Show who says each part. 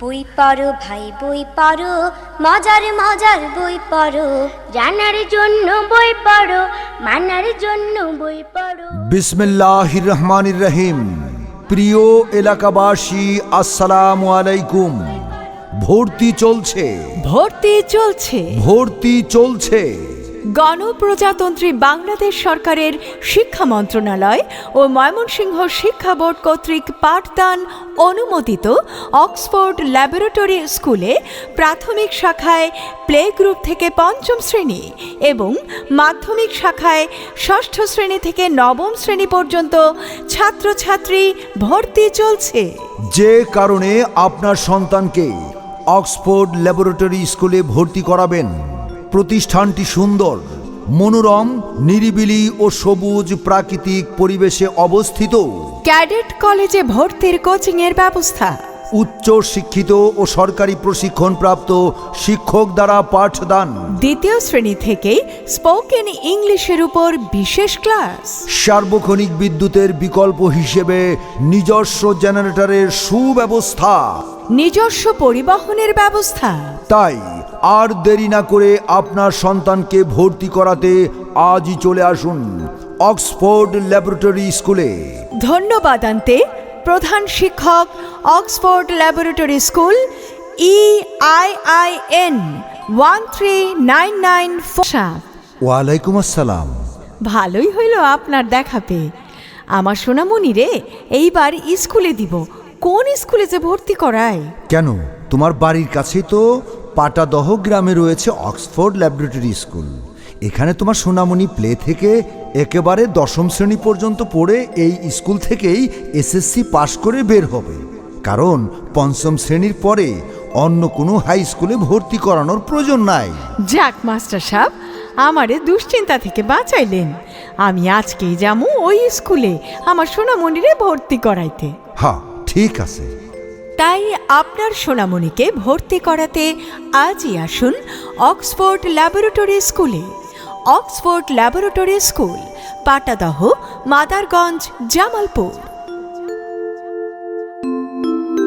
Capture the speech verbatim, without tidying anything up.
Speaker 1: বই পড়ো ভাই বই পড়ো, মজার মজার বই পড়ো,
Speaker 2: জানার জন্য বই পড়ো, মানার জন্য বই পড়ো।
Speaker 3: বিসমিল্লাহির রহমানির রহিম। প্রিয় এলাকাবাসী, আসসালামু আলাইকুম। ভর্তি চলছে
Speaker 4: ভর্তি চলছে
Speaker 3: ভর্তি চলছে
Speaker 4: গণপ্রজাতন্ত্রী বাংলাদেশ সরকারের শিক্ষা মন্ত্রণালয় ও ময়মনসিংহ শিক্ষা বোর্ড কর্তৃক পাঠদান অনুমোদিত অক্সফোর্ড ল্যাবরেটরি স্কুলে প্রাথমিক শাখায় প্লে গ্রুপ থেকে পঞ্চম শ্রেণী এবং মাধ্যমিক শাখায় ষষ্ঠ শ্রেণী থেকে নবম শ্রেণী পর্যন্ত ছাত্রছাত্রী ভর্তি চলছে।
Speaker 3: যে কারণে আপনার সন্তানকে অক্সফোর্ড ল্যাবরেটরি স্কুলে ভর্তি করাবেন। প্রতিষ্ঠানটি সুন্দর, মনোরম, নিরিবিলি ও সবুজ প্রাকৃতিক পরিবেশে অবস্থিত।
Speaker 4: ক্যাডেট কলেজে ভর্তির কোচিংয়ের ব্যবস্থা।
Speaker 3: উচ্চ শিক্ষিত ও সরকারি প্রশিক্ষণপ্রাপ্ত শিক্ষক দ্বারা পাঠদান।
Speaker 4: দ্বিতীয় শ্রেণী থেকে স্পোকেন ইংলিশের উপর বিশেষ ক্লাস।
Speaker 3: সার্বক্ষণিক বিদ্যুতের বিকল্প হিসেবে নিজস্ব জেনারেটরের সুব্যবস্থা।
Speaker 4: নিজস্ব পরিবহনের ব্যবস্থা।
Speaker 3: তাই আর দেরি না করে আপনার সন্তানকে ভর্তি করাতে আজই চলে আসুন অক্সফোর্ড ল্যাবরেটরি স্কুলে।
Speaker 4: ধন্যবাদ আনতে প্রধান শিক্ষক, Oxford laboratory school, E I I N one three nine nine four.
Speaker 3: ওয়ালাইকুম আসসালাম।
Speaker 4: ভালোই হইল আপনার দেখা পেয়ে। আমার সোনামণি রে এইবার স্কুলে দিব। কোন স্কুলে যে ভর্তি করায়?
Speaker 3: কেন, তোমার বাড়ির কাছে তো পাটাদহ গ্রামে রয়েছে অক্সফোর্ড ল্যাবরেটরি স্কুল। এখানে তোমার সোনামণি প্লে থেকে একেবারে দশম শ্রেণী পর্যন্ত পড়ে এই স্কুল থেকেই এসএসসি পাশ করে বের হবে। কারণ পঞ্চম শ্রেণীর পরে অন্য কোনো হাই স্কুলে ভর্তি করানোর প্রয়োজন নাই।
Speaker 4: যাক মাস্টার সাহেব, আমারে দুশ্চিন্তা থেকে বাঁচাইলেন। আমি আজকেই যাবো ওই স্কুলে আমার সোনামণিরে ভর্তি করাইতে।
Speaker 3: হ্যাঁ, ঠিক আছে।
Speaker 4: তাই আপনার সোনামণিকে ভর্তি করাতে আজই আসুন অক্সফোর্ড ল্যাবরেটরি স্কুলে। Oxford laboratory school, Patadah, Madarganj, Jamalpur.